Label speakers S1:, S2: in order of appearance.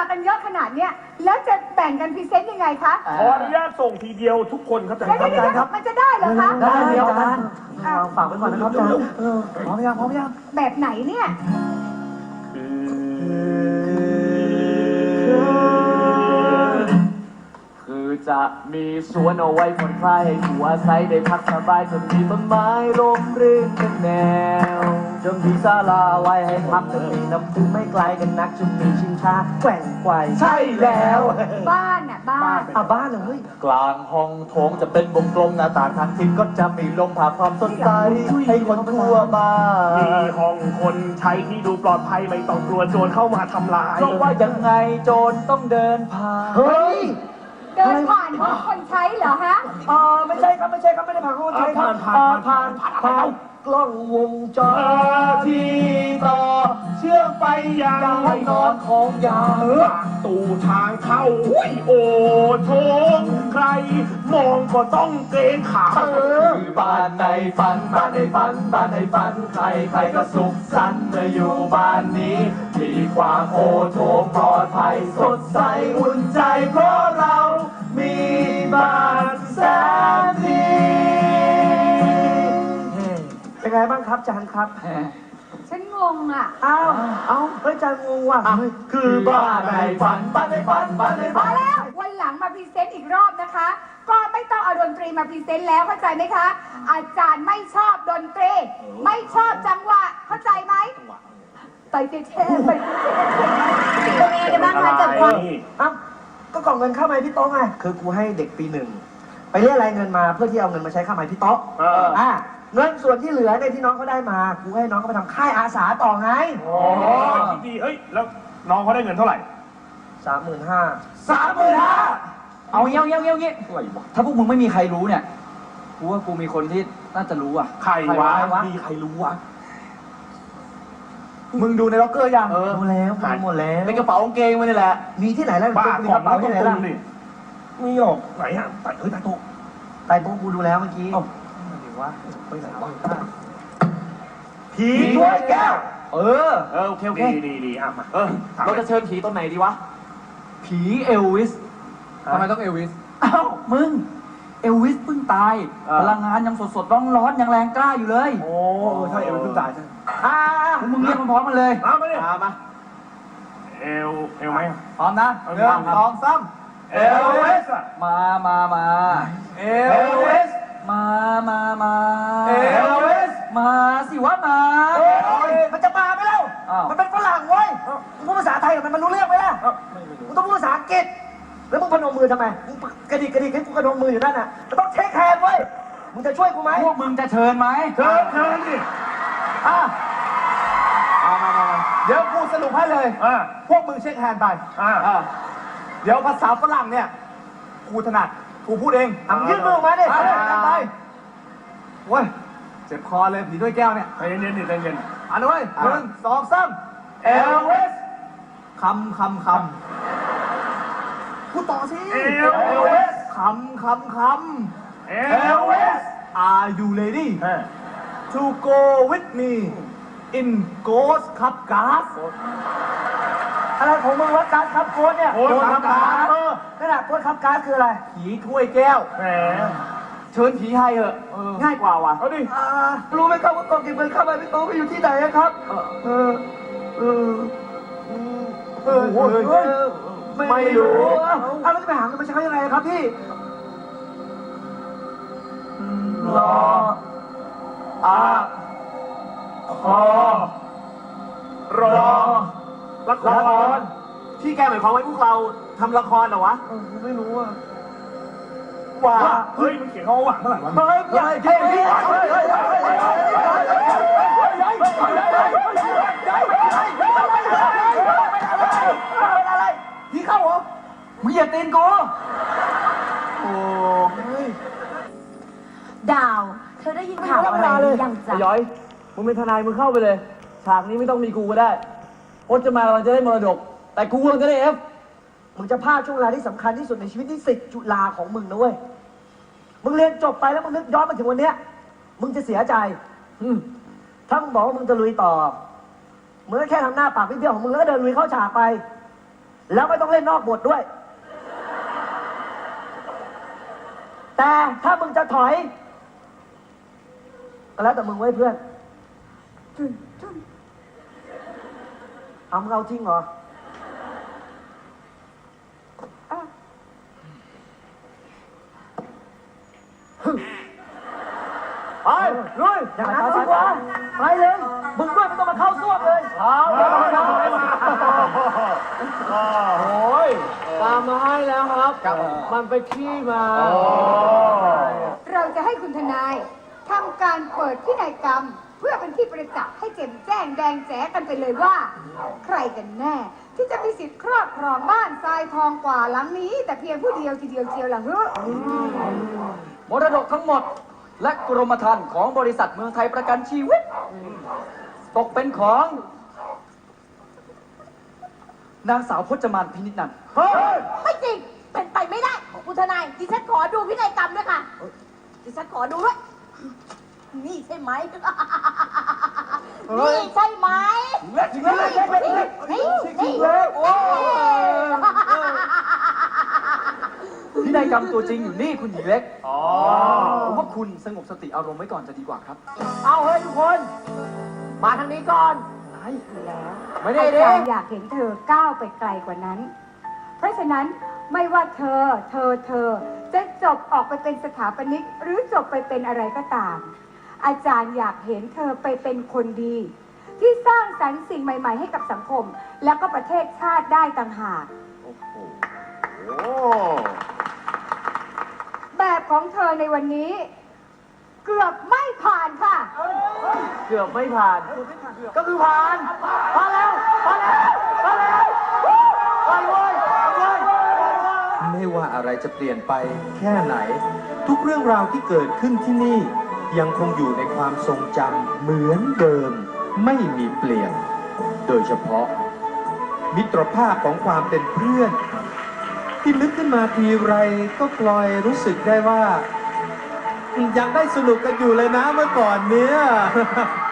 S1: กันเยอะขนาดเนี้ยแล้วจะแบ่งกันพรีเซนต์ยังไงคะ
S2: ขออนุญาตส่งทีเดียวทุกคนครับอาจารย์ครับ
S1: มันจะได้เหรอคะ
S3: ได้เดียวกันฝากไว้ก่อนนะครับอาจารย์พร้อมยัง
S1: แบบไหนเนี่ย
S4: คือจะมีสวนเอาไว้ผ่อนคลายให้ผู้อาศัยได้พักสบายจนมีต้นไม้ร่มรื่นเป็นแนวจะมีศาลาไว้ให้พักจะมีน้ำพุไม่ไกลกันนักจะมีชิงช้าแกว่งไกวใช่แล้ว
S1: บ้านอ่ะบ้าน
S3: บ้านเลย
S4: กลางห้องโถงจะเป็นวงกลมหน้าต่างทางทิศก็จะมีลมผ่าความสดใสให้คนทั่วบ้าน
S2: มีห้องคนใช้ที่ดูปลอดภัยไม่ต้องกลัวโจรเข้ามาทำลาย
S4: เพราะว่ายังไงโจรต้องเดินผ่าน
S3: เฮ้ย
S1: เดินผ่านห้องคนใช้เหรอฮะ
S3: ไม่ใช่ครับไม่ได้ผ่านห้องคนใช้ครับผ่านกล้องวงจร
S2: ที่ต่อเชื่อมไปยัง
S4: ห้องนอนของยาม
S2: ตูทางเข้าโอ้โถใครมองก็ต้องเกรงขา
S4: บ้านในฝันบ้านในฝันบ้านในฝันใครก็สุขสันต์เมื่ออยู่บ้านนี้มีความโอโถงปลอดภัยสดใสอุ่นใจเพราะเรามีบ้านแสนดี
S3: เป็นไงบ้างครับอาจารย์ครับ
S1: ฉันงงอ่ะ
S3: เฮ้ยอาจารย์งงว่ะ
S4: คือบ้านในฝันบ้านในฝันบ้านในฝัน
S1: แล้ววันหลังมาพรีเซนต์อีกรอบนะคะก็ไม่ต้องเอาดนตรีมาพรีเซนต์แล้วเข้าใจไหมคะอาจารย์ไม่ชอบดนตรีไม่ชอบจังหวะเข้าใจไหมไปเท่ๆไปเป็นไงกันบ้างคะเกิดความ
S3: ก็กล่องเงินค่าไม้พี่โต๊ะไงคือกูให้เด็กปี1ไปเรียกรายเงินมาเพื่อที่เอาเงินมาใช้ค่าไม้พี่โต๊ะเงินส่วนที่เหลือเนี่ยที่น้องเขาได้มากูให้น้องเขาไปทำค่ายอาสาต่อไง
S2: คิดดีเฮ้ยแล้วน้องเขาได้เงินเท่าไหร่
S3: 35,000
S4: เอาเงี้ยถ้าพวกมึงไม่มีใครรู้เนี่ยกูว่ากูมีคนที่น่าจะรู้อ่ะ
S2: ใครวะ
S4: มีใครรู้วะมึงดูในล็อกเกอร์ยัง
S3: ดูแล้วหมดแล้ว
S4: ในกระเป๋ากางเกงมันนี่แหละ
S3: มีที่ไหนแล้ว
S2: บ้า
S3: มีกระเป๋าที่ไหนล่ะ
S2: มีหรอกไหนฮะใต้โต๊ะ
S3: กูดูแล้วเมื่อกี้
S4: ไปไหนวะ
S3: ผีถ้วยแก้ว
S4: โอเค
S2: ดีมา
S4: เราจะเชิญผีตอนไหนดีวะผีเอลวิสทำไมต้องเอลวิสมึงเอลวิสเพิ่งตายพลังงานยังสดร้อนยังแรงกล้าอยู่เลย
S2: โอ้ใช่เอลวิสเพิ่งตายใช่
S4: มึงเรียกมันพร้อมกันเลย
S2: มาดิมาเอลไหม
S4: พร้อมนะ1 2 3
S2: เอลวิส
S4: มา
S2: เอลวิส
S4: มา
S2: เอลวิส
S4: มาสิวะมา
S3: มันจะมาไหมเล่ามันเป็นฝรั่งเว้ยมึงพูดภาษาไทยกับมันรู้เรื่องไหมล่ะมึงต้องพูดภาษาอังกฤษแล้วมึงพนมมือทำไมมึงกระดิกให้กูกระนมมืออยู่นั่นน่ะจะต้องเช็คแฮนด์เว้ยมึงจะช่วยกูไหม
S4: พวกมึงจะเชิญไหม
S2: เชิญดิ
S4: มาเดี๋ยวกูสรุปให้เลยพวกมึงเช็คแฮนด์ไปเดี๋ยวภาษาฝรั่งเนี่ยกูถนัดกูพูดเอง
S3: ยื่นมือมาดิ
S4: ไปเว้ยเจ็บคอเลยผีด้วยแก้วเนี่ย
S2: ใจเย็น
S4: อ่านด้วย1 2 3
S2: เอลวิส
S4: คำ
S3: พูดต่อสิ
S2: เอลวิส
S4: คำ
S2: เอลวิส
S4: Are you ready to go with me in Ghost Cup Gas
S3: อะไรของมึงวะการคับโค้ดเนี่ย
S2: โค้ดคับก๊าซ
S3: ขนาดโค้ดคับก๊าซคืออะไร
S4: ผีถ้วยแก้ว
S2: แหม
S4: เชิญผีให้เหอะง่ายกว่าว่ะ
S2: เอาดิ
S3: รู้ไหมครับว่ากล่องเก็บเงินเข้าไปพี่โตไปอยู่ที่ไหนครับไม่รู้แล้วจะไปหาเงินมาใช้ยังไงครับพี่
S2: รอละคร
S4: ที่แกหมายความว่าพวกเราทำละครเหรอวะ
S3: ไม่รู้อ่ะ
S2: ว่าเฮ้ยมันเขียนเขาว่าเมื่อไหร่วะ
S3: ผีเข้าเหรอ
S4: มึงอย่าตีนกู
S1: ดาวเธอได้ยินข่าวอะไรหรือยังจ๊ะ
S4: ย้อยมึงเป็นทนายมึงเข้าไปเลยฉากนี้ไม่ต้องมีกูก็ได้พจน์จะมาเราจะได้มรดกแต่กูจะได้
S3: มึงจะพลาดช่วงเวลาที่สำคัญที่สุดในชีวิตที่10 จุฬาของมึงนะเว้ยมึงเรียนจบไปแล้วมึงนึกย้อนมาถึงวันเนี้ยมึงจะเสียใจถ้ามึงบอกว่ามึงจะลุยต่อมึงก็แค่ทำหน้าปากเบี้ยวของมึงแล้วก็เดินลุยเข้าฉากไปแล้วไม่ต้องเล่นนอกบทด้วย แต่ถ้ามึงจะถอยก็แล้วแต่มึงไว้เพื่อน
S1: จุนจุน
S3: เอามึงเอาจริงเหรอ
S1: อ่ะ
S3: ไปลุยอย่างนั้นสิวะไปเลย มึงด้วยไม่ต้องมาเข้าซ่วมเลยเอา
S2: โอ้ย
S4: ตามมาให้แล้วครับ มันไปขี้มา
S1: เราจะให้คุณทนายทำการเปิดพินัยกรรม เพื่อเป็นที่ประจักษ์ให้แจ่มแจ้งแดงแจ๋กันไปเลยว่า ใครกันแน่ ที่จะมีสิทธิ์ครอบครองบ้านทรายทองกว่าหลังนี้ แต่เพียงผู้เดียวทีเดียวเชียวหลังเฮ้อ
S5: มรดกทั้งหมด และกรมธรรม์ของบริษัทเมืองไทยประกันชีวิต ตกเป็นของนางสาวพจมานพินิจนันท์
S6: ไม่จริง เป็นไปไม่ได้คุณทนายดิฉันขอดูพินัยกรรมด้วยค่ะ ดิฉันขอดูด้วย นี่ใช่ไหม นี่ใช่ไหม
S3: จริงเลยจริงเลย
S6: นี่
S5: โอ้พินัยกรรมตัวจริงอยู่นี่คุณหญิงเล็กผมว่าคุณสงบสติอารมณ์ไว้ก่อนจะดีกว่าครับ
S3: เอาเฮ้ยทุกคน มาทางนี้ก่อน ไม่ได้
S1: อา
S3: ดิ
S1: จารย์อยากเห็นเธอก้าวไปไกลกว่านั้น เพราะฉะนั้นไม่ว่าเธอจะจบออกไปเป็นสถาปนิกหรือจบไปเป็นอะไรก็ตาม อาจารย์อยากเห็นเธอไปเป็นคนดี ที่สร้างสรรค์สิ่งใหม่ ๆ ให้กับสังคม แล้วก็ประเทศชาติได้ต่างหาก แบบของเธอในวันนี้ เกือบไม่ผ่านค่ะ
S3: เกือบไม่ผ่าน ก็คือผ่านผ่านแล้วผ่านแล้วผ่านแล้วผ่านเลยผ่านเลย
S7: ไม่ว่าอะไรจะเปลี่ยนไปแค่ไหน ทุกเรื่องราวที่เกิดขึ้นที่นี่ ยังคงอยู่ในความทรงจำเหมือนเดิม ไม่มีเปลี่ยน โดยเฉพาะ มิตรภาพของความเป็นเพื่อน ที่นึกขึ้นมาทีไรก็กลอยรู้สึกได้ว่า ยังได้สนุกกันอยู่เลยนะเมื่อก่อนเนี้ย